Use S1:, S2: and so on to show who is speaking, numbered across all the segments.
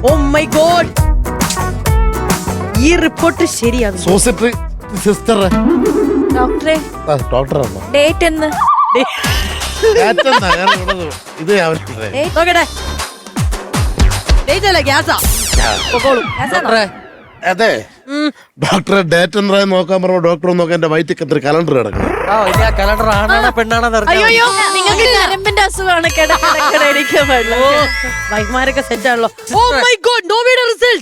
S1: Oh my God, ഈ report ശരിയാണ്.
S2: സോസിറ്ററി സിസ്റ്റർ
S3: ഡോക്ടറെ
S2: ഡോക്ടറാണോ?
S3: ഡേറ്റ് എന്ന്
S2: ഇത്
S1: നോക്കട്ടെ, ഡേറ്റ് അല്ല ഗ്യാസാ.
S2: അതെ ഡോക്ടറെ ഡേറ്റ് എന്താ നോക്കാൻ പറഞ്ഞ ഡോക്ടർ നോക്കാൻ എന്റെ വയറ്റിൽ എത്ര കലണ്ടർ കിടക്കണം.
S4: കലണ്ടർ ആണാണോ പെണ്ണാണോ
S3: അയ്യോ നിങ്ങൾക്ക് നരമ്പിന്റെ അസുഖമാണ്.
S1: വൈഫ്മാരൊക്കെ സെറ്റ് ആണല്ലോ. ഓ മൈ ഗോഡ്, നോവിയുടെ റിസൾട്ട്.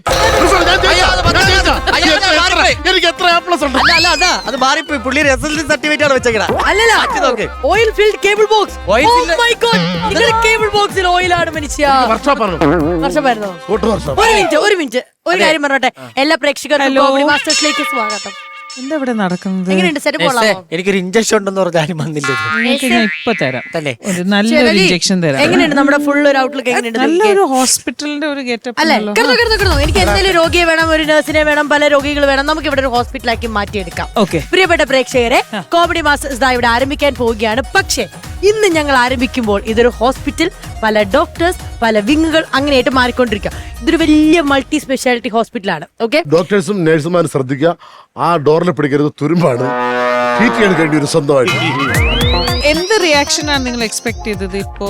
S2: എനിക്ക് എത്ര A+ ഉണ്ട്?
S4: അല്ല അതാ അത് മാറിപ്പോയി. പുള്ളി SSLC സർട്ടിഫിക്കറ്റ് ആണ് വെച്ചേക്കണ.
S1: അല്ലല്ല,
S4: നോക്ക്.
S1: Oil field cable box. Oh my God, നിങ്ങളുടെ കേബിൾ ബോക്സിൽ ഓയിലാണ് മനുഷ്യ.
S2: വർഷാപ്പാണോ?
S1: വർഷമായിരുന്നോ? ഒരു മിനിറ്റ് ഒരു കാര്യം പറഞ്ഞോട്ടെ. എല്ലാ പ്രേക്ഷകർക്കും കോമഡി മാസ്റ്റേഴ്സിലേക്ക് സ്വാഗതം.
S5: എന്താ ഇവിടെ നടക്കുന്നത്?
S1: എങ്ങനെയുണ്ട് സെറ്റ് കൊള്ളാമോ?
S4: എനിക്കൊരു ഇഞ്ചക്ഷൻ ഉണ്ടെന്ന് പറഞ്ഞാലും വന്നില്ല.
S5: നിങ്ങൾക്ക് ഞാൻ ഇപ്പൊ തരാം.
S4: തന്നെ
S5: ഒരു നല്ലൊരു ഇഞ്ചക്ഷൻ തരാം.
S1: എങ്ങനെയുണ്ട് നമ്മുടെ ഫുൾ ഒരു ഔട്ട്ലുക്ക്? എങ്ങനെയുണ്ട്?
S5: നല്ലൊരു ഹോസ്പിറ്റലിന്റെ ഒരു ഗെറ്റപ്പ്
S1: അല്ലെ? കിടന്നു. എനിക്ക് എന്തെങ്കിലും രോഗിയെ വേണം, ഒരു നഴ്സിനെ വേണം, പല രോഗികൾ വേണം. നമുക്ക് ഇവിടെ ഒരു ഹോസ്പിറ്റലാക്കി മാറ്റിയെടുക്കാം.
S5: ഓക്കെ.
S1: പ്രിയപ്പെട്ട പ്രേക്ഷകരെ, കോമഡി മാസ്റ്റേഴ്സ് ഇവിടെ ആരംഭിക്കാൻ പോവുകയാണ്. പക്ഷേ ഇന്ന് ഞങ്ങൾ ആരംഭിക്കുമ്പോൾ ഇതൊരു ഹോസ്പിറ്റൽ, പല ഡോക്ടേഴ്സ്, പല വിങ്ങുകൾ അങ്ങനെയായിട്ട് മാറിക്കൊണ്ടിരിക്കുക. ഇതൊരു വലിയ മൾട്ടി സ്പെഷ്യാലിറ്റി ഹോസ്പിറ്റലാണ്. ഓക്കെ,
S2: ഡോക്ടേഴ്സും നഴ്സുമാരും ശ്രദ്ധിക്കുക, ആ ഡോറിൽ പിടിക്കരുത്, തുരുമ്പാണ്. ട്രീറ്റ് ചെയ്യാൻ കഴിഞ്ഞ ഒരു സ്വന്തമായിട്ട്.
S5: എന്ത് റിയാക്ഷൻ ആണ് നിങ്ങൾ എക്സ്പെക്ട് ചെയ്തത്? ഇപ്പോ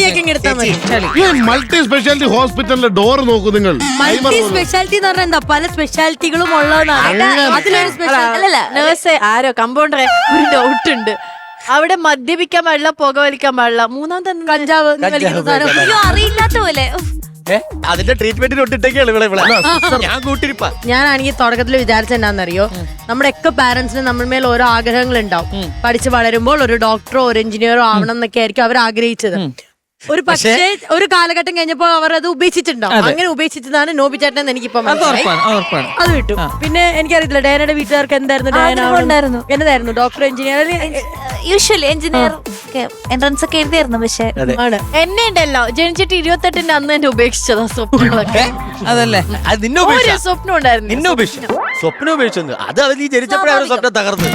S2: മൾട്ടി സ്പെഷ്യാലിറ്റി ഹോസ്പിറ്റലിന്റെ ഡോർ നോക്കൂ നിങ്ങൾ.
S1: മൾട്ടി സ്പെഷ്യാലിറ്റി എന്ന് പറഞ്ഞാൽ എന്താ? പല സ്പെഷ്യാലിറ്റികളും ഉള്ളതാണ്. അതിലൊരു സ്പെഷ്യാലിറ്റി
S3: അല്ലല്ല, നേഴ്സ് ആരോ കമ്പൗണ്ടറെ ഒരു ഡൗട്ട് ഉണ്ട്. അവിടെ മദ്യപിക്കാൻ പാടില്ല, പുകവലിക്കാൻ പാടില്ല. മൂന്നാമത്തെ
S1: കഞ്ചാവ്
S3: അറിയില്ലാത്ത പോലെ.
S4: അതിന്റെ ട്രീറ്റ്മെന്റിന് ഒട്ടിട്ടൊക്കെയാണ് ഇവിടെ ഞാൻ കൂട്ടിരിപ്പാ.
S1: ഞാനാണെങ്കിൽ തുടക്കത്തിൽ വിചാരിച്ചെന്നാന്നറിയോ, നമ്മുടെ ഒക്കെ പാരന്റ്സിന് നമ്മൾ മേൽ ഓരോ ആഗ്രഹങ്ങൾ ഉണ്ടാവും. പഠിച്ച് വളരുമ്പോൾ ഒരു ഡോക്ടറോ ഒരു എഞ്ചിനീയറോ ആവണം എന്നൊക്കെ ആയിരിക്കും അവർ ആഗ്രഹിച്ചത്. ഒരു പക്ഷേ ഒരു കാലഘട്ടം കഴിഞ്ഞപ്പോ അവർ അത് ഉപേക്ഷിച്ചിട്ടുണ്ടാവും. അങ്ങനെ ഉപേക്ഷിച്ചതാണ് നോബി ചേട്ടൻ. എനിക്കിപ്പോ അത് വിട്ടു. പിന്നെ എനിക്കറിയത്തില്ല ഡയനയുടെ വീട്ടുകാർക്ക് എന്തായിരുന്നു ഡയന എന്നതായിരുന്നു, doctor, engineer.
S3: Usually engineer entrance ഒക്കെ എഴുതിയായിരുന്നു. പക്ഷെ എന്നെ ഉണ്ടല്ലോ ജനിച്ചിട്ട് 28 അന്ന് എന്നെ ഉപേക്ഷിച്ചതാ സ്വപ്നങ്ങളൊക്കെ.
S5: അതല്ലേ
S4: അത് നിന്നെ
S3: ഒരു സ്വപ്നം ഉണ്ടായിരുന്നു.
S4: നിന്നെ ഉപേക്ഷിച്ചു. സ്വപ്നം ഉപേക്ഷിച്ചു. അത് അവർ നീ ജനിച്ചപ്പോഴേ അവർ സ്വപ്നം തകർന്നു.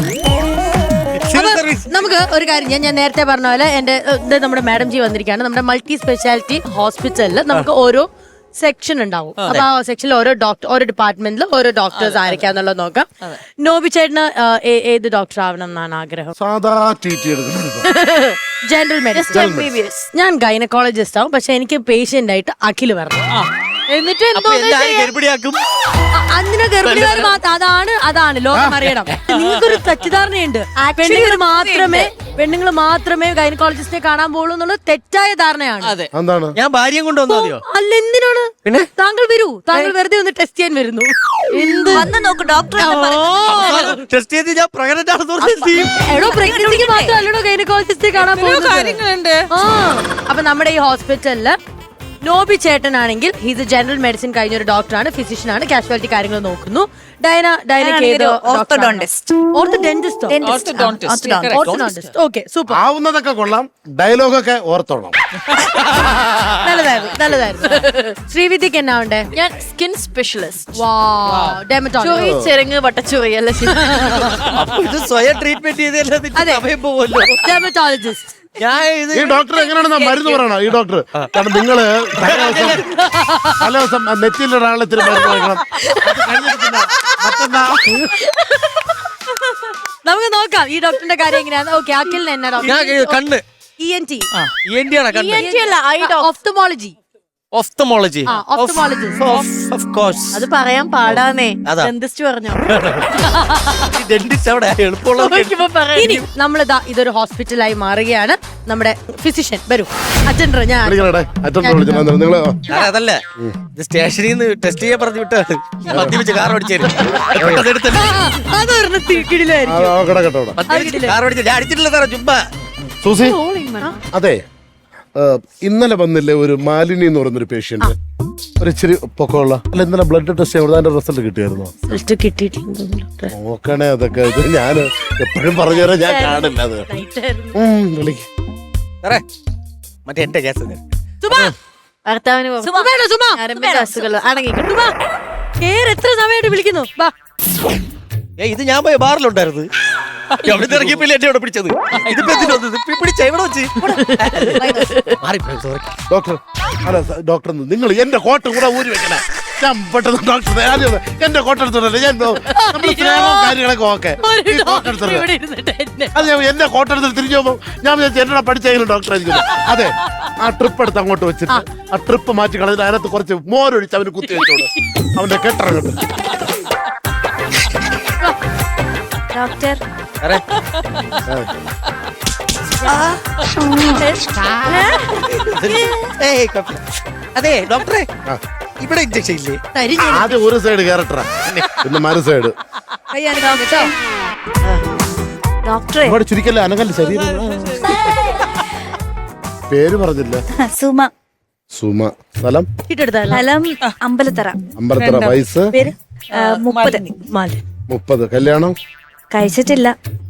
S1: നമുക്ക് ഒരു കാര്യം, ഞാൻ നേരത്തെ പറഞ്ഞ പോലെ എന്റെ നമ്മുടെ മാഡം ജി വന്നിരിക്കുകയാണ്. നമ്മുടെ മൾട്ടി സ്പെഷ്യാലിറ്റി ഹോസ്പിറ്റലിൽ നമുക്ക് ഓരോ സെക്ഷൻ ഉണ്ടാവും. അപ്പൊ ആ സെക്ഷനിൽ ഓരോ ഡിപ്പാർട്ട്മെന്റിൽ ഓരോ ഡോക്ടേഴ്സ് ആയിരിക്കാന്നുള്ളത് നോക്കാം. നോബി ചേട്ടന് ഏത് ഡോക്ടർ ആവണം എന്നാണ് ആഗ്രഹം?
S2: സാധാ ട്രീറ്റ് എടുക്കുന്നത്
S1: ജനറൽ മെഡിസിൻ. ഞാൻ ഗൈനക്കോളജിസ്റ്റ് ആവും. പക്ഷെ എനിക്ക് പേഷ്യന്റ് ആയിട്ട് അഖിൽ വരണം.
S3: എന്നിട്ട്
S4: ഗർഭിണിയാക്കും.
S1: അന്നിനെ ഗർഭിണികാർ മാത്രം, അതാണ് ലോകം അറിയണം. നിങ്ങൾക്കൊരു തെറ്റിദ്ധാരണയുണ്ട്. പെണ്ണുങ്ങൾ മാത്രമേ ഗൈനക്കോളജിസ്റ്റിനെ കാണാൻ പോകുള്ളൂ എന്നുള്ളത് തെറ്റായ ധാരണയാണ്.
S2: എന്താണ്?
S4: ഞാൻ ഭാര്യയും കൊണ്ടുവന്നോ?
S1: അല്ല, എന്തിനാണ്? പിന്നെ താങ്കൾ വരൂ, താങ്കൾ വെറുതെ ഒന്ന് ടെസ്റ്റ് ചെയ്യാൻ വരുന്നു. എന്ത്
S3: വന്ന് നോക്ക് ഡോക്ടർ.
S4: ടെസ്റ്റ് ചെയ്ത് ഞാൻ പ്രഗ്നന്റ് ആണെന്ന്
S1: എടോ, പ്രഗ്നൻസിക്ക് മാത്രമല്ലടോ ഗൈനക്കോളജിസ്റ്റിനെ കാണാൻ പോകുന്നത്.
S5: കാര്യങ്ങളുണ്ട്.
S1: അപ്പൊ നമ്മുടെ ഈ ഹോസ്പിറ്റലില് നോബി ചേട്ടനാണെങ്കിൽ ഹീസ് എ ജനറൽ മെഡിസിൻ കഴിഞ്ഞ ഒരു ഡോക്ടറാണ്, ഫിസിഷ്യനാണ്, കാഷ്വാലിറ്റി കാര്യങ്ങൾ നോക്കുന്നു.
S2: ആവുന്നതൊക്കെ കൊള്ളാം, ഡയലോഗൊക്കെ ഓർത്തോണം.
S1: നല്ലതായിരുന്നു. ശ്രീവിദ്യക്ക് എന്നാ ഉണ്ടേ?
S3: ഞാൻ സ്കിൻ സ്പെഷ്യലിസ്റ്റ്.
S1: ചെറുങ്ങ്
S3: വട്ടച്ചൊറിയല്ല,
S4: ഇത് സ്വയം ട്രീറ്റ്മെന്റ് ചെയ്തല്ലോ.
S1: ഡെർമറ്റോളജിസ്റ്റ്.
S2: ഈ ഡോക്ടർ എങ്ങനെയാണെന്നാ മരുന്ന് പറയണോ? ഈ ഡോക്ടർ കാരണം നിങ്ങള് പല ദിവസം നെറ്റിയിൽ ഒരാളെ ഇത്തിരി മരുന്ന് കഴിക്കണം.
S1: നമുക്ക് നോക്കാം ഈ ഡോക്ടറിന്റെ കാര്യം എങ്ങനെയാണ്. ഓക്കെ, അഖിലിന് എന്നാ ഡോക്ടർ?
S4: കണ്ണ്.
S1: ENT.
S4: ENT ആണ് കണ്ണ്.
S1: ഓഫ്തമോളജി.
S4: ഓഫ്തമോളജി. Of course.
S3: അത് പറയാൻ പാടാന്നേ.
S4: അതാ.
S3: ഡെന്റിസ്റ്റ് പറഞ്ഞോ.
S4: ഡെന്റിസ്റ്റ് അവിടെ എളുപ്പമുള്ള.
S1: ഇനി നമ്മളിതാ ഇതൊരു ഹോസ്പിറ്റലായി മാറുകയാണ്. നമ്മുടെ ഫിസിഷ്യൻ വരൂ. അറ്റൻഡർ
S4: അതല്ല, ഇത് സ്റ്റേഷനിൽ നിന്ന് ടെസ്റ്റ് ചെയ്യാൻ പറഞ്ഞു വിട്ടാണ്. മദ്യപിച്ച് കാർ ഓടിച്ചേരും. കാർ ഓടിച്ചു. ഞാൻ അടിച്ചിട്ടില്ല സാറേ, ചുമ്മാ.
S2: സൂസി, അതെ, ഇന്നലെ വന്നില്ലേ ഒരു മാലിനി എന്ന് പറയുന്നൊരു പേഷ്യന്റ്, ഒരു ഇച്ചിരി പൊക്കമുള്ള. അല്ല, ഇന്നലെ ബ്ലഡ് ടെസ്റ്റ് ചെയ്ത് അതിന്റെ റിസൾട്ട് കിട്ടിയായിരുന്നോ? നോക്കണേ അതൊക്കെ. ഇത് ഞാൻ എപ്പോഴും പറഞ്ഞു തരാം, ഞാൻ കാണില്ല അത്.
S4: മറ്റേ എന്റെ കേസ്
S3: ഭർത്താവിന്
S1: എത്ര സമയമായിട്ട് വിളിക്കുന്നു?
S4: ഇത് ഞാൻ പോയ ബാറിലുണ്ടായിരുന്നു. എവിടെ ഇറങ്ങിയപ്പോ എന്നെ ഇവിടെ പിടിച്ചത് ഇതിപ്പോ എന്തിനാ വന്നത്? ഇപ്പൊ പിടിച്ച എവിടെ വെച്ച് മാറിപ്പോയി, sorry.
S2: ഡോക്ടർ അല്ല ഡോക്ടർ നിങ്ങൾ എന്റെ കോട്ട് കൂടെ ഊരി വെക്കണേ. ഞാൻ പെട്ടെന്ന് ഡോക്ടർ എന്റെ കോട്ട് എടുത്തോണ്ടല്ലേ ഞാൻ നമ്മുടെ സ്നേഹവും കാര്യങ്ങളൊക്കെ ഓക്കെ ഈ കോട്ട് എടുത്തോണ്ട്
S1: ഇവിടെ ഇരുന്നിട്ട് എന്നെ
S2: അത് ഞാൻ എന്റെ കോട്ട് എടുത്തിട്ട് തിരിഞ്ഞു പോകുമ്പോൾ ഞാൻ വിചാരിച്ചു എന്നോട് പഠിച്ചെങ്കിലും ഡോക്ടർ ആയിരിക്കും. അതെ ആ ട്രിപ്പ് എടുത്ത് അങ്ങോട്ട് വെച്ചിട്ട് ആ ട്രിപ്പ് മാറ്റി കളഞ്ഞിട്ട് അതിനകത്ത് കുറച്ച് മോരൊഴിച്ച് അവന് കുത്തി വെച്ചോളൂ. അവന്റെ കെട്ടിറങ്ങട്ടെ.
S3: ഡോക്ടർ
S4: സാറേ, ഏയ് കുഴപ്പമില്ല. അതെ ഡോക്ടറെ,
S2: ആ.
S4: ഇവിടെ ഇഞ്ചക്ഷൻ ഇല്ലേ?
S1: തരിഞ്ഞു
S2: ആദ്യം ഒരു സൈഡ് കയറട്ടാ പിന്നെ മറു സൈഡ്
S1: കൈ അനക്കാം കേട്ടോ.
S3: ഡോക്ടറെ
S2: ഒരുപാട് ചുരുക്കല്ലേ അനങ്ങല്ല ശരീരം. പേര് പറഞ്ഞില്ല.
S3: സുമ,
S2: സുമ. സ്ഥലം
S1: ചീട്ടെടുത്താലോ?
S3: സ്ഥലം അമ്പലത്തറ,
S2: അമ്പലത്തറ. വയസ്സ്
S3: പേര് 30.
S2: 30. കല്യാണം
S3: കഴിച്ചിട്ടില്ല.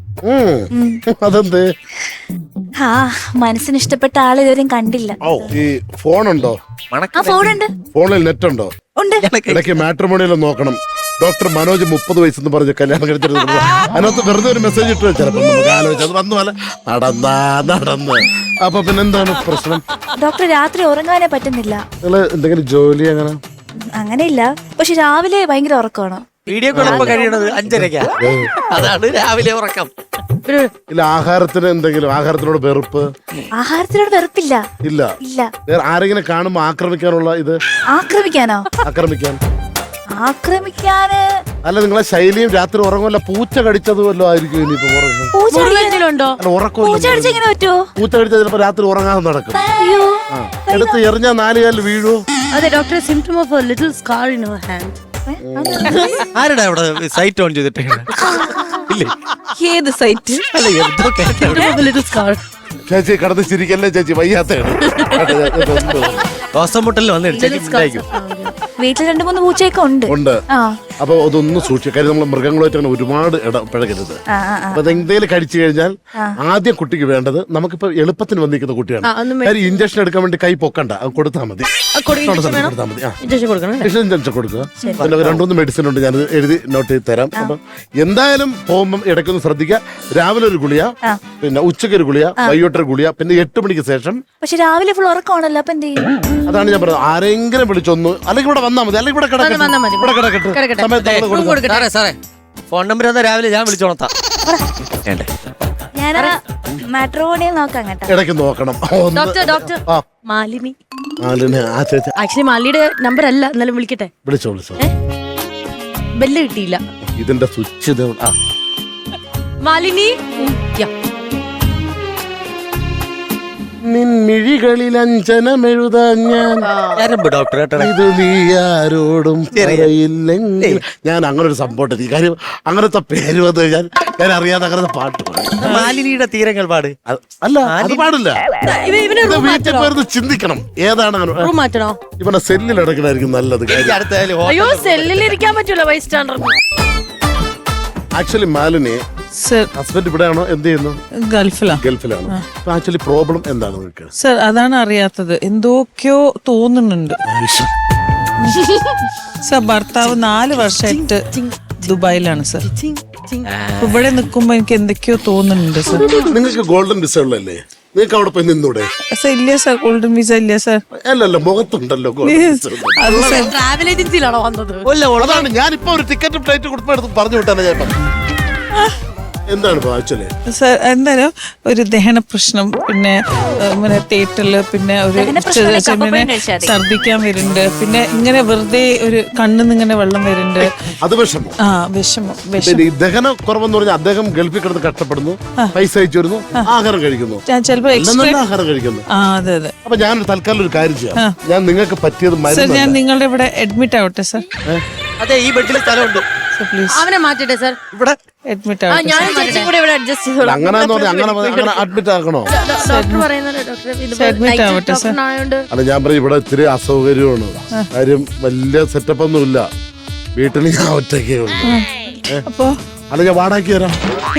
S2: അതെന്ത്?
S3: ആ മനസ്സിന് ഇഷ്ടപ്പെട്ട ആളെ ഇതുവരെയും കണ്ടില്ല.
S2: ഓ ഈ ഫോണുണ്ടോ?
S3: ആ ഫോണുണ്ട്,
S2: ഫോണിൽ നെറ്റ് ഉണ്ടോ?
S3: ഉണ്ട്.
S2: ഇടയ്ക്ക് മാട്രിമോണിയിലും നോക്കണം. ഡോക്ടർ മനോജ് 30 വയസ്സെന്ന് പറഞ്ഞ് കല്യാണം കഴിച്ചിട്ട് അതിനകത്ത് വെറുതെ ഒരു മെസ്സേജ് ഇട്ട് ചിലപ്പോൾ നമുക്ക് ആലോചിച്ച് അത് വന്നു പോലെ നടന്ന് അപ്പൊ പിന്നെ എന്താണ് പ്രശ്നം?
S3: ഡോക്ടർ രാത്രി ഉറങ്ങാനേ പറ്റുന്നില്ല.
S2: നിങ്ങള് എന്തെങ്കിലും ജോലി അങ്ങനെ?
S3: അങ്ങനെയില്ല, പക്ഷെ രാവിലെ ഭയങ്കര ഉറക്കമാണ്.
S4: വീഡിയോ കോൾ ഇപ്പൊ കഴിയണത് 5:30. അതാണ് രാവിലെ ഉറക്കം.
S2: ഇല്ല ആഹാരത്തിന് എന്തെങ്കിലും ആഹാരത്തിനോട് വെറുപ്പ്?
S3: ആഹാരത്തിനോട് വെറുപ്പില്ല.
S2: ഇല്ല.
S3: ഇല്ല.
S2: വേറെ ആരെങ്കിലും കാണുമ്പോ ആക്രമിക്കാനുള്ള ഇത്?
S3: ആക്രമിക്കാനോ? ആക്രമിക്കാന്
S2: അല്ല നിങ്ങളെ ശൈലിയും രാത്രി ഉറങ്ങുമല്ല പൂച്ച കടിച്ചത് വല്ലോ ആയിരിക്കും ഇനിയിപ്പോ ഉറങ്ങും.
S3: പൂച്ച
S1: എന്തെങ്കിലും ഉണ്ടോ?
S2: അല്ല ഉറക്കം
S3: പൂച്ച കടിച്ച് എങ്ങനെ പറ്റുമോ?
S2: പൂച്ച കടിച്ചാൽ ചിലപ്പോ രാത്രി ഉറങ്ങാതെ നടക്കും.
S3: അയ്യോ,
S2: ആ എടുത്ത് എറിഞ്ഞാൽ 4 കാലിൽ വീഴുവോ?
S1: അതെ doctor, symptom of a little scar in your hand.
S4: ആരുടെ അവിടെ സൈറ്റ് ഓൺ ചെയ്തിട്ട് ഇല്ലേ?
S3: ഏത് സൈറ്റ്?
S4: അല്ല എന്തോ കേട്ടോ.
S1: Little scar.
S2: ചേച്ചി കടന്ന് ചിരിക്കല്ലേ ചേച്ചി, വയ്യാത്തയാണ്.
S4: ശ്വാസം മുട്ടലിൽ വന്ന് ഇടിച്ചേക്കും.
S3: വീട്ടിൽ 2-3 പൂച്ചയൊക്കെ ഉണ്ട്.
S2: ഉണ്ട്.
S3: ആ
S2: അപ്പൊ അതൊന്നും സൂക്ഷിക്കുക. കാര്യം നമ്മൾ മൃഗങ്ങളുമായിട്ട് അങ്ങനെ ഒരുപാട് ഇടപഴകരുത്.
S3: ആ, ആ, ആ.
S2: അപ്പൊ അതെന്തേലും കഴിച്ചു കഴിഞ്ഞാൽ ആദ്യം കുട്ടിക്ക് വേണ്ടത് നമുക്കിപ്പോ എളുപ്പത്തിന് വന്നിരിക്കുന്ന കുട്ടിയാണ്. കാര്യം ഇഞ്ചക്ഷൻ എടുക്കാൻ വേണ്ടി കൈ പൊക്കണ്ട, അത് കൊടുത്താൽ മതി. കൊടുത്താൽ മതി.
S1: ഇഞ്ചക്ഷൻ കൊടുക്കണം.
S2: ഇഞ്ചക്ഷൻ കൊടുക്കുക. പിന്നെ 2-3 മെഡിസിൻ ഉണ്ട്, ഞാൻ എഴുതി നോട്ട് ചെയ്ത് തരാം. അപ്പൊ എന്തായാലും പോകുമ്പോൾ ഇടയ്ക്കൊന്ന് ശ്രദ്ധിക്കുക. രാവിലെ ഒരു ഗുളിയ, പിന്നെ ഉച്ചയ്ക്ക് ഒരു ഗുളിയ, വൈകിട്ടൊരു ഗുളിയ, പിന്നെ 8 മണിക്ക് ശേഷം.
S3: പക്ഷെ രാവിലെ ഫുൾ ഉറക്കമാണല്ലോ, അപ്പൊ എന്ത് ചെയ്യും?
S2: അതാണ് ഞാൻ പറഞ്ഞത്. ആരെങ്കിലും വിളിച്ചൊന്ന് അല്ലെങ്കിൽ ഇവിടെ വന്നാൽ മതി, അല്ലെങ്കിൽ ഇവിടെ കിടക്കട്ടെ, ഇവിടെ കിടക്കട്ടെ. സമയത്ത് നമ്മള് കൊടുക്കണം.
S4: സാറേ ഫോൺ നമ്പർ തന്നാ രാവിലെ ഞാൻ വിളിച്ചോണത്താ.
S3: ഞാൻ മാട്രിമോണിയിൽ നോക്കാം കേട്ടോ.
S2: ഇടയ്ക്ക് നോക്കണം.
S1: ഡോക്ടർ
S2: ആ.
S1: മാലിനി.
S2: ആ ചേച്ചി
S1: ആക്ച്വലി മാലിനിയുടെ നമ്പർ അല്ല, എന്നാലും വിളിക്കട്ടെ.
S2: വിളിച്ചോ.
S1: ബെല്ല് കിട്ടിയില്ല.
S2: ഇതിന്റെ സ്വിച്ച് ഇത്. ആ
S1: മാലിനി.
S2: നിൻമിഴികളിൽ അഞ്ജനമെഴുതാൻ ഞാൻ
S4: ഞാനുമ്പ് ഡോക്ടർ കേട്ടോ.
S2: ഇത് നീ ആരോടും പറയില്ലെങ്കിൽ. ഞാൻ അങ്ങനെ ഒരു സംഭവം ഈ കാര്യം അങ്ങനത്തെ പേര് വന്നു കഴിഞ്ഞാൽ ഞാൻ അറിയാതെ അങ്ങനത്തെ പാട്ട് പാടും.
S4: മാലിനിയുടെ തീരങ്ങൾ പാട്.
S2: അല്ല അത് പാടില്ല.
S1: ഇവന്
S2: ഇത് വീട്ടിൽ പോയിരുന്ന് ചിന്തിക്കണം ഏതാണ്
S1: റൂം മാറ്റണോ?
S2: ഇവനെ സെല്ലിൽ അടക്കണായിരിക്കും നല്ലത്.
S4: എനിക്ക് അടുത്തായാലും
S1: അയ്യോ, സെല്ലിൽ ഇരിക്കാൻ പറ്റൂല wise standard.
S2: Actually Malini
S5: sir
S2: husband ഇവിടെയാണോ? എന്ത് ചെയ്യുന്നു? ഗൾഫിലാണ്. അപ്പൊ ആക്ച്വലി പ്രോബ്ലം എന്താണ് നിങ്ങൾക്ക്?
S5: സർ അതാണ് അറിയാത്തത്, എന്തൊക്കെയോ തോന്നുന്നുണ്ട്. സർ ഭർത്താവ് 4 വർഷമായിട്ട് ദുബായിലാണ് സർ. അപ്പൊ ഇവിടെ നിൽക്കുമ്പോ എനിക്ക് എന്തൊക്കെയോ തോന്നുന്നുണ്ട് സർ.
S2: നിങ്ങൾക്ക് ഗോൾഡൻ വിസ ഉള്ളല്ലേ? നിങ്ങൾക്ക് അവിടെ പോയി നിന്നൂടെ?
S5: സർ ഇല്ല സർ, ഗോൾഡൻ വിസ ഇല്ല സർ.
S2: അല്ലല്ല മുഖത്തുണ്ടല്ലോ golden visa.
S5: അത് സർ
S1: ട്രാവൽ ഏജൻസിയിലാണോ വന്നത്?
S2: അതാണ് ഞാനിപ്പോ ഒരു ടിക്കറ്റ് ഫ്ലൈറ്റ് കൊടുത്തെടുത്ത് പറഞ്ഞു വിട്ടാണ് ചേട്ടൻ. എന്താണ് ആക്ച്വലി?
S5: സർ എന്തായാലും ഒരു ദഹന പ്രശ്നം, പിന്നെ തേറ്റല്, പിന്നെ ഒരു ഛർദിക്കാൻ വരുന്നുണ്ട്, പിന്നെ ഇങ്ങനെ വെറുതെ ഒരു കണ്ണിന്ന് ഇങ്ങനെ വെള്ളം വരുന്നുണ്ട്.
S2: അത് വിഷമോ?
S5: ആ വിഷമം.
S2: ഈ ദഹന കുറവെന്ന് പറഞ്ഞാൽ അദ്ദേഹം ഗൾഫിൽ കിടന്ന് കഷ്ടപ്പെടുന്നു, പൈസ അയച്ചു വരുന്നു, ആഹാരം കഴിക്കുന്നു,
S5: ഞാൻ ചിലപ്പോ
S2: ആഹാരം കഴിക്കുന്നു.
S5: ആ അതെ അതെ.
S2: അപ്പൊ ഞാൻ തൽക്കാലം ഒരു കാര്യം ചെയ്യാം. ഞാൻ നിങ്ങൾക്ക് പറ്റിയത്
S5: സർ
S2: മരുന്ന്.
S5: ഞാൻ നിങ്ങളുടെ ഇവിടെ അഡ്മിറ്റ് ആവട്ടെ സർ.
S4: അതെ ഈ ബെഡിൽ സ്ഥലമുണ്ട്.
S5: സർ പ്ലീസ്
S1: അവനെ മാറ്റട്ടെ സാർ.
S4: ഇവിടെ
S5: അഡ്മിറ്റ് ആവട്ടെ.
S1: ഞാൻ ചേച്ചി കൂടെ ഇവിടെ അഡ്ജസ്റ്റ് ചെയ്തോളാം.
S2: അങ്ങനെ അഡ്മിറ്റ് ആക്കണോ?
S1: ഡോക്ടർ പറയുന്നത് ഡോക്ടർ
S5: അഡ്മിറ്റ് ആവട്ടെ സർ.
S2: അല്ല ഞാൻ പറയും ഇവിടെ ഇത്തിരി അസൗകര്യമാണ്. കാര്യം വലിയ സെറ്റപ്പ് ഒന്നും ഇല്ല. വീട്ടിൽ ഞാൻ ഒറ്റയ്ക്കേ ഉള്ളൂ.
S5: അപ്പൊ
S2: അല്ല ഞാൻ വാടാക്കി തരാം.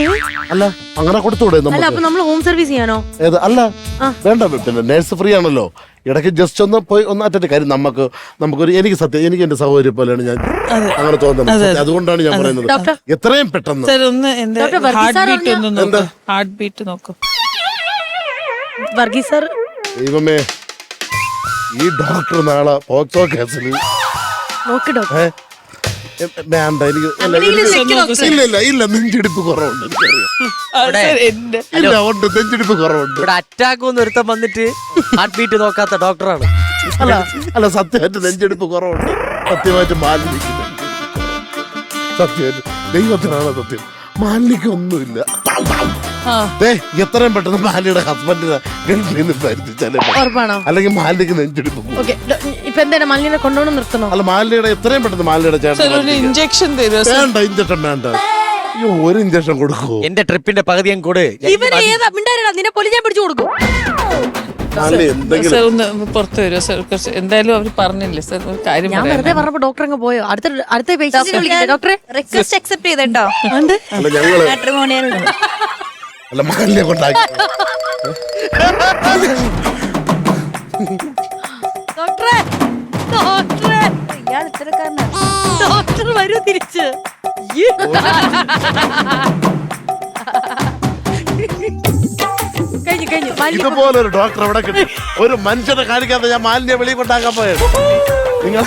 S2: അല്ല അങ്ങനെ കൊടുത്തൂടെ
S1: അല്ല
S2: നമുക്ക്
S1: അപ്പൊ നമ്മൾ ഹോം സർവീസ് ചെയ്യാനോ?
S2: ഏത് അല്ല വേണ്ട പിന്നെ നേഴ്സ് ഫ്രീ ആണല്ലോ. ഇടയ്ക്ക് ജസ്റ്റ് ഒന്ന് പോയി ഒന്ന് അറ്റൻഡ് കാര്യം നമുക്കൊരു എനിക്ക് സത്യം എനിക്ക് എന്റെ സഹോദരി പോലെയാണ് ഞാൻ അങ്ങനെ തോന്നുന്നത്. സത്യം, അതുകൊണ്ടാണ് ഞാൻ പറയുന്നത്
S1: ഡോക്ടർ
S2: എത്രയും പെട്ടെന്ന്.
S5: സർ ഒന്ന് എന്റെ
S1: doctor Varghese
S5: heart
S1: sir
S5: beat ഒന്ന് നോക്കൂ. ഹാർട്ട് ബീറ്റ് നോക്കൂ.
S1: വർഗീസ് സാർ
S2: ദൈവമേ ഈ ഡോക്ടർ നാളെ പോക്സോ കേസിൽ
S1: നോക്ക് ഡോക്ടർ.
S2: വേണ്ട എനിക്ക് ഇല്ല നെഞ്ചിടിപ്പ് കുറവുണ്ട് എനിക്കറിയാം.
S5: സർ എന്റെ
S2: ഇല്ല ഉണ്ട് നെഞ്ചിടിപ്പ് കുറവുണ്ട്.
S4: ഇവിടെ അറ്റാക്ക് ഒന്ന് ഒരുത്തം വന്നിട്ട് ഹാർട്ട് ബീറ്റ് നോക്കാത്ത ഡോക്ടറാണ്.
S2: അല്ല സത്യമായിട്ട് നെഞ്ചെടുപ്പ് കുറവുണ്ട്. സത്യമായിട്ട് മാലിന്യക്ക് സത്യമായിട്ട് ദൈവത്തിനാണ് സത്യം. മാലിന്യക്ക് ഒന്നുമില്ല. എത്രയും പെട്ടെന്ന് മാലിയുടെ ഹസ്ബൻഡിനെ ഗൾഫിൽ നിന്ന് പരിചിച്ചാലേ
S1: ഉറപ്പാണോ?
S2: അല്ലെങ്കിൽ മാലിന്യക്ക് നെഞ്ചെടുപ്പ് പോകും.
S1: ഓക്കെ ഇപ്പൊ എന്താണ് മല്ലിനെ കൊണ്ടുപോകണം നിർത്തണോ?
S2: അല്ല മാലിയുടെ എത്രയും പെട്ടെന്ന് മാലിയുടെ
S5: സർ
S2: ചേട്ടൻ
S5: ഒരു ഇഞ്ചക്ഷൻ തരുമോ?
S2: വേണ്ട ഇഞ്ചക്ഷൻ വേണ്ട. അയ്യോ ഒരു ഇഞ്ചക്ഷൻ കൊടുക്കൂ.
S4: എന്റെ ട്രിപ്പിന്റെ പകുതി ഞാൻ കൂടെ
S1: ഇവൻ ഏതാ മിണ്ടാരടാ നിന്നെ പൊലി ഞാൻ പിടിച്ചു കൊടുക്കും.
S2: മാലി എന്തെങ്കിലും
S5: സർ ഒന്ന് പുറത്ത് വരുമോ സർ? കുറച്ച് എന്തായാലും അവർ പറഞ്ഞില്ലേ സർ ഒരു കാര്യം
S1: ഞാൻ
S5: പറയാൻ.
S1: വെറുതെ പറഞ്ഞപ്പോ ഡോക്ടർ അങ്ങ് പോയോ? അടുത്ത പേഷ്യന്റിനെ വിളിക്കട്ടെ ഡോക്ടറെ?
S3: റിക്വസ്റ്റ് അക്സെപ്റ്റ് ചെയ്തോ?
S2: അല്ല ഞങ്ങള്
S3: മാട്രിമോണിയൽ
S2: അല്ല മാലിനെ കൊണ്ടാക്കി
S1: ഡോക്ടറെ ഡോക്ടറെ
S3: ഇയാൾ ഇത്തരക്കാരനാണ്.
S1: ഡോക്ടർ വരൂ തിരിച്ച്. കഴിഞ്ഞു മാലിന്യ
S2: ഇതുപോലെ ഒരു ഡോക്ടർ എവിടെ കിട്ടും? ഒരു മനുഷ്യനെ കാണിക്കാതെ ഞാൻ മാലിന്യ വെളിയിൽ കൊണ്ടാക്കാൻ പോയത്. നിങ്ങൾ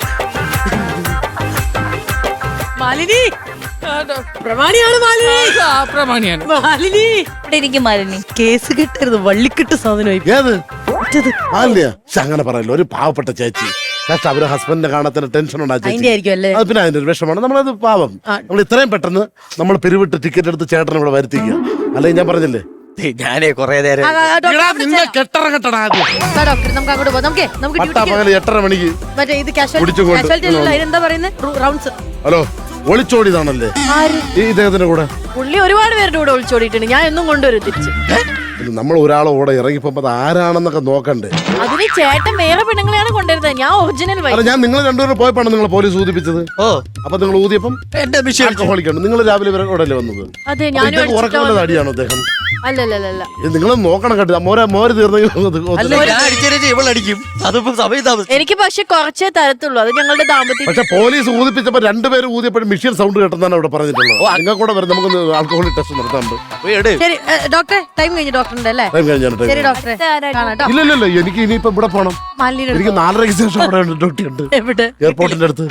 S1: മാലിനി പ്രമാണിയാണ് മാലിനി.
S5: പ്രമാണിയാണ്.
S1: മാലിനി
S3: ഇവിടെ ഇരിക്കും മാലിനി.
S1: കേസ് കിട്ടരുത് വള്ളിക്കിട്ട് സാധനമായി.
S2: ഏത് മാലിന്യ? അങ്ങനെ പറയല്ലോ. ഒരു പാവപ്പെട്ട ചേച്ചി കഷ്ടം അവര് ഹസ്ബൻഡിനെ കാണാത്ത ടെൻഷൻ ഉണ്ടാ
S1: അതിന്റെ
S2: ചേച്ചി.
S1: ആയിരിക്കും അല്ലേ?
S2: അത് പിന്നെ അതിന്റെ ഒരു വിഷമാണ്. നമ്മളത് പാവം നമ്മൾ ഇത്രയും പെട്ടെന്ന് നമ്മൾ പിരിവിട്ട് ടിക്കറ്റ് എടുത്ത് ചേട്ടനെ ഇവിടെ വരുത്തിക്കുക. അല്ലെങ്കിൽ ഞാൻ പറഞ്ഞില്ലേ
S4: ഞാനേ കൊറേ നേരം
S2: നിന്നെ കെട്ടറ ആദ്യം
S1: ഡോക്ടർ നമുക്ക് അങ്ങോട്ട് പോകാം. നമുക്ക്
S2: പട്ടാ പകല് 8:30 മണിക്ക്
S1: മറ്റേ ഇത്
S2: പിടിച്ചു കൊണ്ട്
S1: കാഷ്വാലിറ്റി എന്താ പറയുന്നത് റൗണ്ട്സ്.
S2: ഹലോ ഒളിച്ചോടിയതാണല്ലേ ഈ ഇദ്ദേഹത്തിന്റെ കൂടെ?
S1: പുള്ളി ഒരുപാട് പേരുടെ കൂടെ ഒളിച്ചോടിയിട്ടുണ്ട്. ഞാൻ എന്നും കൊണ്ടുവരും തിരിച്ച്.
S2: നമ്മൾ ഒരാളെ കൂടെ ഇറങ്ങിപ്പോ അത് ആരാണെന്നൊക്കെ നോക്കണ്ടേ?
S1: അതിന് ചേട്ടൻ വേറെ പെണ്ണുങ്ങളെയാണ് കൊണ്ടുവരുന്നത്. ഞാൻ ഒറിജിനൽ
S2: അല്ല ഞാൻ നിങ്ങൾ രണ്ടുപേരും പോയപ്പോഴാണ് നിങ്ങൾ പോലീസ് ഊതിപ്പിച്ചത്.
S4: ഓ
S2: അപ്പൊ നിങ്ങൾ ഊതിയപ്പം
S4: എന്റെ മിഷൻ
S2: ആൽക്കഹോളിക്കാണ്. നിങ്ങൾ രാവിലെ ഇവരെ കൂടെ അല്ലേ വന്നത്?
S1: അതെ ഞാനും
S2: ഉറക്കമുള്ള അടിയാണോ അദ്ദേഹം?
S1: അല്ലല്ല
S2: നിങ്ങൾ നോക്കണം കേട്ടോ. മോര് തീർന്നെങ്കിൽ
S4: അല്ല ഞാൻ അടിച്ചേരെ ഇവളടിക്കും. അതിപ്പോ സമയം താമസം.
S1: എനിക്ക് പക്ഷെ കുറച്ചേ തരത്തുള്ളൂ. അത് ഞങ്ങളുടെ ദാമ്പത്യം.
S2: പക്ഷെ പോലീസ് ഊതിപ്പിച്ചപ്പോ രണ്ടുപേരും ഊതിയപ്പോഴും മിഷ്യൻ സൗണ്ട് കേട്ടെന്നാണ് അവിടെ പറഞ്ഞിട്ടുള്ളത്. നിങ്ങൾ കൂടെ വരും നമുക്ക് ആൽക്കഹോളിക് ടെസ്റ്റ് നടത്താറുണ്ട്.
S4: പോയി എട്.
S1: ശരി ഡോക്ടറെ ടൈം കഴിഞ്ഞു ഡോക്ടറിന്റെ അല്ലേ?
S2: ടൈം കഴിഞ്ഞാണ്.
S1: ശരി ഡോക്ടറെ കാണാം കേട്ടോ.
S2: ഇല്ലല്ലോ എനിക്ക് ഇനിയിപ്പോ ഇവിടെ പോണം.
S1: മാലിന്യ
S2: എനിക്ക് 4:30 ശേഷം അവിടെ ഡ്യൂട്ടി ഉണ്ട്
S1: എവിടെ?
S2: എയർപോർട്ടിന്റെ അടുത്ത്.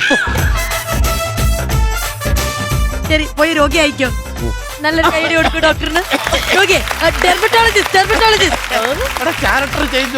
S1: ശരി പോയി രോഗി അയക്കോ. നല്ലൊരു കൈഡി കൊടുക്കും ഡോക്ടറിന്. രോഗി ഡെർമറ്റോളജിസ്റ്റ്
S2: ക്യാരക്ടർ ചേഞ്ച്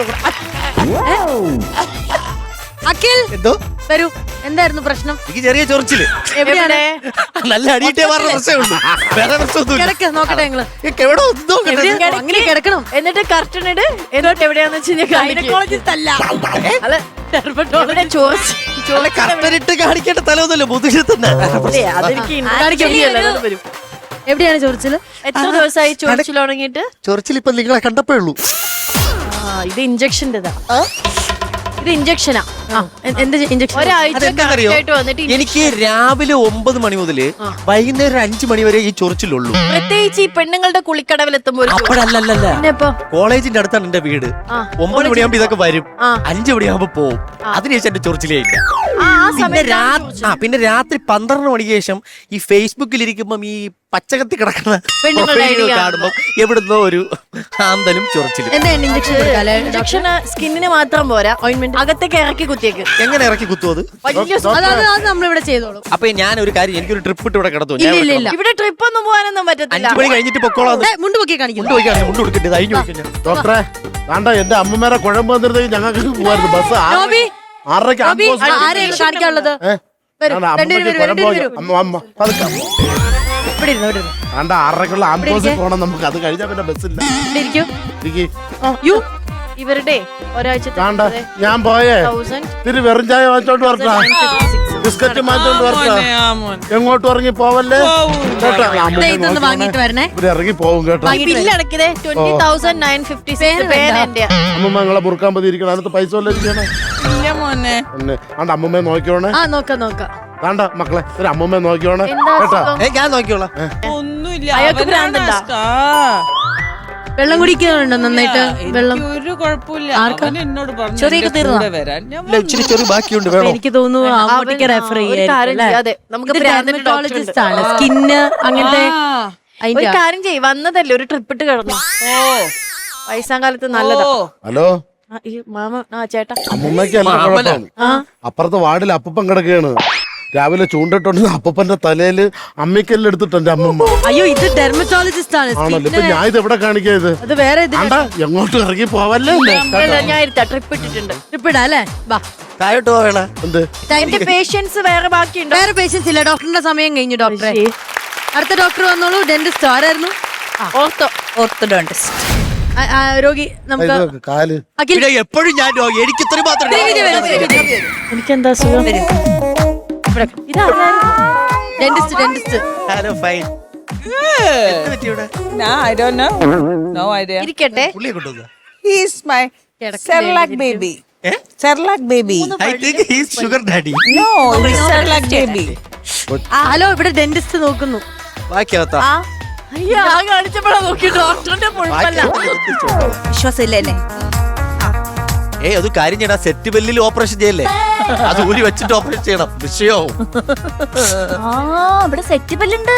S1: അഖിൽ
S4: എന്തോ
S1: വരൂ. എന്തായിരുന്നു പ്രശ്നം?
S4: എനിക്ക് ചെറിയ ചൊറിച്ചില്.
S1: എവിടെയാണ്?
S4: നല്ല അടിയിട്ടേ പറഞ്ഞ പ്രശ്നമുള്ളൂ. വേറെ പ്രശ്നമൊന്നുമില്ല.
S1: കിടക്ക് നോക്കട്ടെ ഞങ്ങള്.
S4: എവിടെ ഒന്നും
S1: അങ്ങനെ കിടക്കണം. എന്നിട്ട് കർട്ടൻ ഇട്. എന്നിട്ട് എവിടെയാന്ന് വെച്ച് കഴിഞ്ഞാൽ ഗൈനക്കോളജിസ്റ്റ് അല്ല അല്ല ഡെർമറ്റോളജിസ്റ്റ്.
S4: കറക്റ്റ് കാണിക്കേണ്ട തലമൊന്നുമല്ല മുതുകിൽ തന്നെ.
S1: അതെനിക്ക് കാണിക്കാൻ വരും. എവിടെയാണ് ചോദിച്ചത്? എത്ര ദിവസമായി ചോദിച്ചു തുടങ്ങിയിട്ട്?
S4: ചൊറിച്ചിൽ ഇപ്പൊ നിങ്ങളെ കണ്ടപ്പോ ഉള്ളൂ.
S1: ഇത് ഇഞ്ചക്ഷൻ്റെതാ. ഇത് ഇഞ്ചക്ഷനാ. എന്ത് ഇഞ്ചക്ഷൻ?
S4: അതെന്താണെന്നറിയോ? എനിക്ക് രാവിലെ 9 മണി മുതല് വൈകുന്നേരം 5 മണി വരെ ഈ ചൊറിച്ചിലുള്ളൂ.
S1: പ്രത്യേകിച്ച് ഈ പെണ്ണുങ്ങളുടെ കുളിക്കടവിലെത്തുമ്പോൾ.
S4: അപ്പോഴല്ലല്ല കോളേജിന്റെ അടുത്താണ് എന്റെ വീട്. 9 മണിയാകുമ്പോ ഇതൊക്കെ വരും. 5 മണിയാകുമ്പോ പോവും. അതിനുശേഷം എന്റെ ചൊറിച്ചിലേ ഇല്ല. പിന്നെ രാത്രി 12 മണിക്ക് ശേഷം ഈ ഫേസ്ബുക്കിൽ ഇരിക്കുമ്പം ഈ പച്ചകത്തി കിടക്കുന്ന പ്രൊഫൈലുകൾ കാണുമ്പോ എവിടുന്നോ ഒരു ആന്തലും ചൊറിച്ചിലും.
S1: ഇഞ്ചക്ഷൻ സ്കിന്നിന് മാത്രം പോരാ, ഓയിന്റ്മെന്റ് അകത്തേക്ക് ഇറക്കി കുത്തിയേക്ക്.
S4: എങ്ങനെ ഇറക്കി കുത്തും അത്?
S1: നമ്മളിവിടെ ചെയ്തോളൂ.
S4: അപ്പൊ ഞാൻ ഒരു കാര്യം, എനിക്കൊരു ട്രിപ്പ് ഇട്ട് ഇവിടെ കിടത്തു.
S1: ഇവിടെ ട്രിപ്പ് ഒന്നും പോകാനൊന്നും പറ്റത്തില്ല.
S4: 5 മണി കഴിഞ്ഞിട്ട് പൊക്കോളാം.
S1: മുണ്ട് പൊക്കി കാണിക്കും.
S4: മുണ്ട് കൊടുക്കട്ടെ അഴിഞ്ഞു വെക്കാൻ.
S2: ഡോക്ടറെ വേണ്ട എന്റെ അമ്മമാരെ കുഴമ്പ് വന്നിരുന്നെങ്കിൽ ഞങ്ങൾക്ക് പോവായിരുന്നു. ബസ് 6:30
S1: ആരെയാണ് കാണിക്കാനുള്ളത്?
S2: വേണ്ട 6:30 ആംബുലൻസിൽ പോകണം നമുക്ക്. അത് കഴിഞ്ഞാൽ പിന്നെ ബസ്സില്ല.
S1: ഇവരുടെ ഒരാഴ്ച
S2: വേണ്ട ഞാൻ പോയേ തിരി വെറും ചായ വാങ്ങിച്ചോണ്ട് വരട്ടാ, ബിസ്ക്കറ്റ് മാറ്റോണ്ട് വരട്ടാ. എങ്ങോട്ടും ഇറങ്ങി പോവല്ലേ കേട്ടോ.
S1: വാങ്ങിട്ട് വരണേ.
S2: ഇവിടെ ഇറങ്ങി പോവും കേട്ടോ. അമ്മമ്മ നിങ്ങളെ മുറുക്കാൻ പതിയിരിക്കണം. അതിനകത്ത് പൈസ വല്ലതും ചെയ്യണേ. ആണ്ട് അമ്മമ്മയെ നോക്കിയോണേ.
S1: നോക്കാം
S2: വേണ്ട മക്കളെ ഒരു അമ്മമ്മയെ നോക്കിയോണേ കേട്ടോ.
S4: ഞാൻ നോക്കിയോളാം.
S5: ഒന്നും ഒന്നുമില്ല.
S3: അയാൾക്ക്
S5: അവനാണ്
S3: ഭ്രാന്തുണ്ടാ?
S1: വെള്ളം കുടിക്കുന്നുണ്ടോ നന്നായിട്ട്? വെള്ളം
S5: ഒരു കുഴപ്പമില്ല. അവൻ എന്നോട് പറഞ്ഞു
S3: ചൊറിയൊക്കെ
S5: എന്റെ
S3: തീർന്നോ?
S5: കൂടെ വരാൻ. ഞാൻ
S4: ഇല്ല, ഇച്ചിരി ചെറിയ ബാക്കിയുണ്ട്, വേണോ?
S1: എനിക്ക് തോന്നുന്നു അങ്ങോട്ടേക്ക് റെഫർ
S3: ഒരു കാര്യം ചെയ്യ്, അതെ, നമുക്ക് ഭ്രാന്തിന്റെ
S1: ഡെർമറ്റോളജിസ്റ്റ് ആണ്. സ്കിന്ന് അങ്ങനത്തെ
S3: ഒരു
S1: അതിന്റെ
S3: കാര്യം ചെയ്യ്, വന്നതല്ലേ ഒരു ട്രിപ്പ് ഇട്ട് കിടന്നു. വയസ്സാം കാലത്ത് നല്ലതാ.
S2: ഹലോ
S3: ഈ മാമ ചേട്ടാ
S2: അമ്മമ്മയ്ക്ക് അല്ല കുഴപ്പം. അപ്പുറത്തെ വാർഡിൽ അപ്പൂപ്പൻ കിടക്കുകയാണ്. രാവിലെ ചൂണ്ടിട്ടുണ്ട് അപ്പൂപ്പന്റെ തലയില് അമ്മിക്കല്ല് എടുത്തിട്ട് എന്റെ അമ്മമ്മ.
S1: അയ്യോ ഇത് ഡെർമറ്റോളജിസ്റ്റ് ആണ്.
S2: ആണല്ലോ. ഇപ്പൊ ഞാൻ ഇത് എവിടെ കാണിക്കാത്?
S1: അത് വേറെ ഇത്
S2: ആണ്ടാ എങ്ങോട്ട് ഇറങ്ങി പോവല്ലേ?
S3: ഞാൻ ഇരുത്താ, ട്രിപ്പ് ഇട്ടിട്ടുണ്ട്.
S1: ട്രിപ്പിടാ അല്ലേ? വാ.
S4: താഴോട്ട് പോവേണ.
S2: എന്ത്
S3: എന്റെ പേഷ്യൻസ് വേറെ ബാക്കിയുണ്ടോ?
S1: വേറെ പേഷ്യൻസ് ഇല്ല. ഡോക്ടറിന്റെ സമയം കഴിഞ്ഞു ഡോക്ടറെ. അടുത്ത ഡോക്ടർ വന്നോളൂ. ഡെന്റിസ്റ്റ് ആരായിരുന്നു?
S3: ഓർത്തോഡോണ്ടിസ്റ്റ്.
S1: രോഗി നമുക്ക്
S2: ഇത് കാല്
S1: അഖിൽ
S4: പിന്നെ എപ്പോഴും ഞാൻ രോഗി. എനിക്ക് ഇത്രയും മാത്രം
S3: എനിക്കെന്താ സുഖം?
S1: Dentist
S4: hello fine.
S5: I don't know. No idea.
S3: ഇരിക്കട്ടെ.
S4: പുള്ളിയെ കൊണ്ടുവന്ന
S5: He is my Cerelac baby. Cerelac baby.
S4: I think he's sugar daddy.
S5: No, he's Cerelac baby.
S1: Hello ഇവിടെ ഡെന്റിസ്റ്റ് നോക്കുന്നു.
S4: ബാക്കിയാവത്താ
S3: അയ്യോ ആ കാണിച്ചപ്പോഴാ നോക്കി ഡോക്ടറിന്റെ മുഴുവല്ല. വിശ്വാസമില്ല എന്നെ.
S4: ഏയ് അത് കാര്യം ചെയ്യണം. സെറ്റ് ബെല്ലിൽ ഓപ്പറേഷൻ ചെയ്യല്ലേ? അത് ഊരി വെച്ചിട്ട് ഓപ്പറേഷൻ ചെയ്യണം. വിഷയവും
S3: ഇവിടെ സെറ്റ് ബെല്ലുണ്ട്.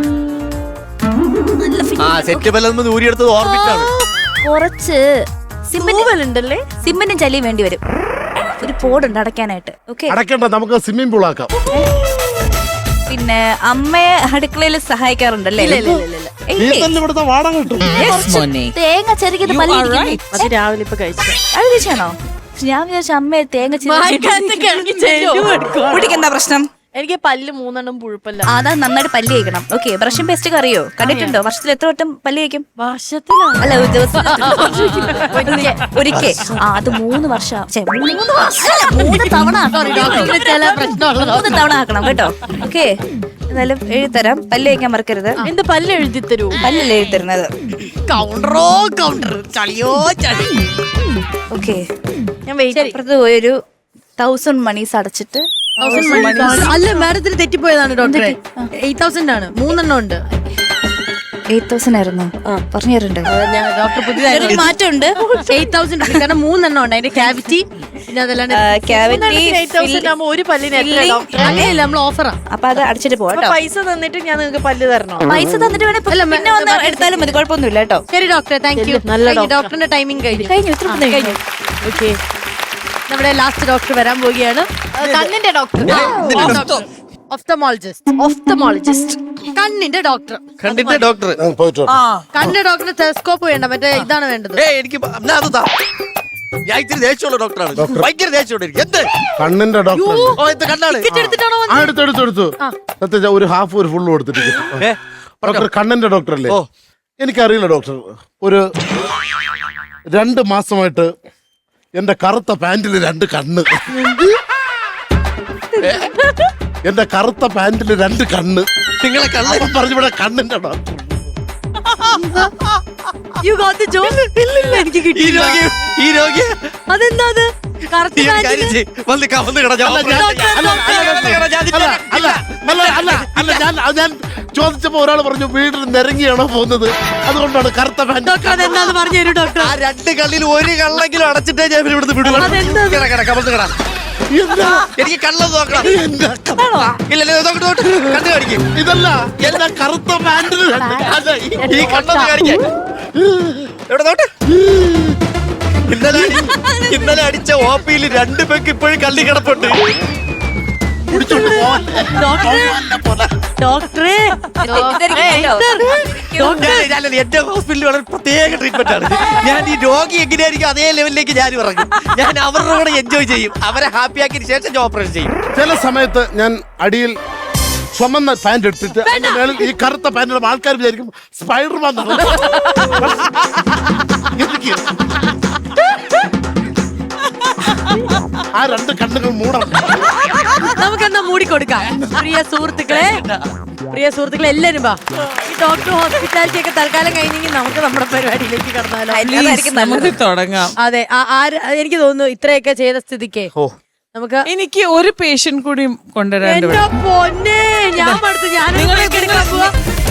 S4: ആ സെറ്റ് ബെല്ലൊന്നും ഊരിയെടുത്തത് ഓർബിറ്റാണ്.
S3: കുറച്ച് സിമ്മിനുണ്ടല്ലേ, സിമ്മിനും ചലിയും വേണ്ടി വരും. ഒരു പോടുണ്ട് അടയ്ക്കാനായിട്ട്. ഓക്കെ,
S2: അടക്കണ്ട, നമുക്ക് സ്വിമ്മിംഗ് പൂൾ ആക്കാം.
S3: പിന്നെ അമ്മയെ അടുക്കളയിൽ സഹായിക്കാറുണ്ടല്ലേ?
S2: നീ തന്നെ ഇവിടുത്തെ വാടക കിട്ടും.
S3: തേങ്ങ ചെറുകിയത് പല്ലി
S1: അത് രാവിലെ ഇപ്പൊ കഴിച്ചു.
S3: അത് കഴിച്ചാണോ? ഞാൻ വിചാരിച്ച അമ്മയെ തേങ്ങ
S5: കുട്ടിക്ക് എന്താ പ്രശ്നം?
S1: എനിക്ക് പല്ല് 3 പുഴുപ്പല്ല.
S3: അതാ നന്നായിട്ട് പല്ല് കഴിക്കണം. ഓക്കെ, ബ്രഷും പേസ്റ്റ് ഒക്കെ അറിയോ? കണ്ടിട്ടുണ്ടോ? വർഷത്തിൽ എത്ര വട്ടം പല്ല് കഴിക്കും?
S1: വർഷത്തിലാണ്.
S3: അല്ല, ഒരു ദിവസം ഒരിക്കൽ. അത് 3 വർഷം 3 തവണ
S1: ചില പ്രശ്നമുള്ളത്
S3: 3 തവണ ആക്കണം കേട്ടോ. ഓക്കെ, എന്നാലും എഴുതരാം. പല്ല് കഴിക്കാൻ മറക്കരുത്.
S1: എന്ത് പല്ല് എഴുതി തരൂ?
S3: പല്ലല്ലേ എഴുതരുന്നത്?
S1: കൗണ്ടറോ കൗണ്ടർ, ചളിയോ ചളി.
S3: ഓക്കെ, ഞാൻ അപ്പുറത്ത് പോയൊരു 1000 മണീസ് അടച്ചിട്ട്.
S1: അല്ല മാഡത്തിന് തെറ്റിപ്പോയതാണ് ഡോക്ടറെ. 8000 ആണ്. 3 ഉണ്ട്.
S3: 8000 ആയിരുന്നു പറഞ്ഞു തരണ്ടേ?
S1: ഡോക്ടർ പുതിയതായിരുന്നു.
S3: മാറ്റമുണ്ട്.
S1: 8000 ഉണ്ട്. കാരണം 3 ഉണ്ട്. അതിന്റെ ക്യാവിറ്റി പിന്നെ അതല്ലാണ്ട്
S3: ഒരു പല്ലിന്
S1: അങ്ങനെയല്ല, നമ്മൾ ഓഫറാ.
S3: അപ്പൊ അത് അടിച്ചിട്ട് പോവാം.
S1: പൈസ തന്നിട്ട് ഞാൻ നിങ്ങൾക്ക് പല്ല് തരണോ?
S3: പൈസ തന്നിട്ട് വേണേ പിന്നെ വന്ന് എടുത്താലും മതി, കുഴപ്പമൊന്നുമില്ല കേട്ടോ.
S1: ശരി ഡോക്ടറെ, താങ്ക് യു. ഡോക്ടറിന്റെ ടൈമിംഗ് കഴിഞ്ഞു.
S3: കഴിഞ്ഞു.
S1: ഓക്കെ, നമ്മുടെ ലാസ്റ്റ് ഡോക്ടർ വരാൻ പോവുകയാണ്. കണ്ണിന്റെ ഡോക്ടർ, ഓഫ്തമോളജിസ്റ്റ്, കണ്ണിന്റെ ഡോക്ടർ.
S4: കണ്ടിട്ട് ഡോക്ടർ
S2: പോയിട്ടോ.
S1: കണ്ണിന്റെ ഡോക്ടറിന് ടെലസ്കോപ്പ് വേണ്ട, മറ്റേ ഇതാണ് വേണ്ടത്.
S4: എനിക്ക് എന്നാ അത് താ. ഞാൻ ഇത്തിരി ദേഷ്യമുള്ള ഡോക്ടറാണ്. ഭയങ്കര ദേഷ്യമുണ്ട് എനിക്ക്. എന്ത്
S2: കണ്ണിന്റെ ഡോക്ടർ.
S4: ഓ ഇത് കണ്ണാണ്.
S1: എടുത്തിട്ടാണോ
S2: എടുത്തു സത്യം ഒരു ഹാഫ് ഒരു ഫുള്ള് കൊടുത്തിട്ട്. ഡോക്ടർ കണ്ണിന്റെ ഡോക്ടർ അല്ലേ?
S4: ഓ.
S2: എനിക്കറിയില്ല ഡോക്ടർ. ഒരു 2 മാസമായിട്ട് എന്റെ കറുത്ത പാന്റിൽ 2 കണ്ണ്. എന്റെ കറുത്ത പാന്റിൽ 2 കണ്ണ്.
S4: നിങ്ങളെ കണ്ണ
S2: പറഞ്ഞിവിടെ കണ്ണിന്റെ doctor.
S1: You got the joke? ഇല്ലില്ല, എനിക്ക്
S4: ഈ
S1: കിട്ടിയില്ല.
S4: രോഗി ഈ രോഗി
S1: അതെന്താ അത്? കറുത്ത
S4: ഈ
S1: പാന്റിന്
S4: കാര്യം ചെയ്യ്. വന്ന് കട ഞാൻ
S2: ഞാൻ ചോദിച്ചപ്പോ ഒരാൾ പറഞ്ഞു വീട്ടിൽ നിരങ്ങിയാണോ പോകുന്നത്, അതുകൊണ്ടാണ് കറുത്ത പാന്റ്.
S1: ഡോക്ടർ അതെന്താന്ന് പറഞ്ഞു തരൂ ഡോക്ടർ.
S4: ആ 2 കള്ളിൽ 1 കള്ളെങ്കിലും അടച്ചിട്ടേ ഞാൻ ഇവിടുന്ന് വിടുള്ളൂ. കട എനിക്ക് കള്ളത് നോക്കണം. ഇല്ലല്ലോ കണ്ടു കാണിക്കും.
S2: ഇതല്ല എന്റെ കറുത്ത പാന്റിൽ
S4: ഈ കണ്ണൊന്ന് കാണിക്കാൻ. എവിടെ നോട്ട്? ഇന്നലെ അടിച്ച ഓപ്പിയിൽ 2 പേർക്ക് ഇപ്പോഴും കള്ളി കിടപ്പുണ്ട്.
S1: ഡോക്ടറെ
S4: എന്റെ ഹോസ്പിറ്റലിൽ വളരെ പ്രത്യേക ട്രീറ്റ്മെന്റ് ആണ്. ഞാൻ ഈ രോഗി എങ്ങനെയായിരിക്കും അതേ ലെവലിലേക്ക് ഞാൻ ഇറങ്ങും. ഞാൻ അവരുടെ കൂടെ എൻജോയ് ചെയ്യും. അവരെ ഹാപ്പി ആക്കിയതിന് ശേഷം ഞാൻ ഓപ്പറേഷൻ ചെയ്യും.
S2: ചില സമയത്ത് ഞാൻ അടിയിൽ ചുമന്ന പാന്റ് എടുത്തിട്ട് അതിന്റെ മേളിൽ ഈ കറുത്ത പാന്റിലും ആൾക്കാർ വിചാരിക്കും സ്പൈഡർമാൻ. ആ 2 കണ്ണുകൾ മൂടണം.
S1: നമുക്കെന്നാ മൂടിക്കൊടുക്കാം. പ്രിയ സുഹൃത്തുക്കളെ എല്ലാരും വാ. ഈ ഡോക്ടർ ഹോസ്പിറ്റാലിറ്റി ഒക്കെ തൽക്കാലം കഴിഞ്ഞെങ്കിൽ നമുക്ക് നമ്മുടെ പരിപാടിയിലേക്ക് കടന്നാലോ?
S5: തുടങ്ങാം.
S1: അതെ, എനിക്ക് തോന്നുന്നു ഇത്രയൊക്കെ ചെയ്ത സ്ഥിതിക്ക് നമുക്ക്
S5: എനിക്ക് ഒരു പേഷ്യന്റ് കൂടി കൊണ്ടുവരാൻ
S1: എന്റെ പൊന്നെ, ഞാൻ അടുത്ത് ഞാൻ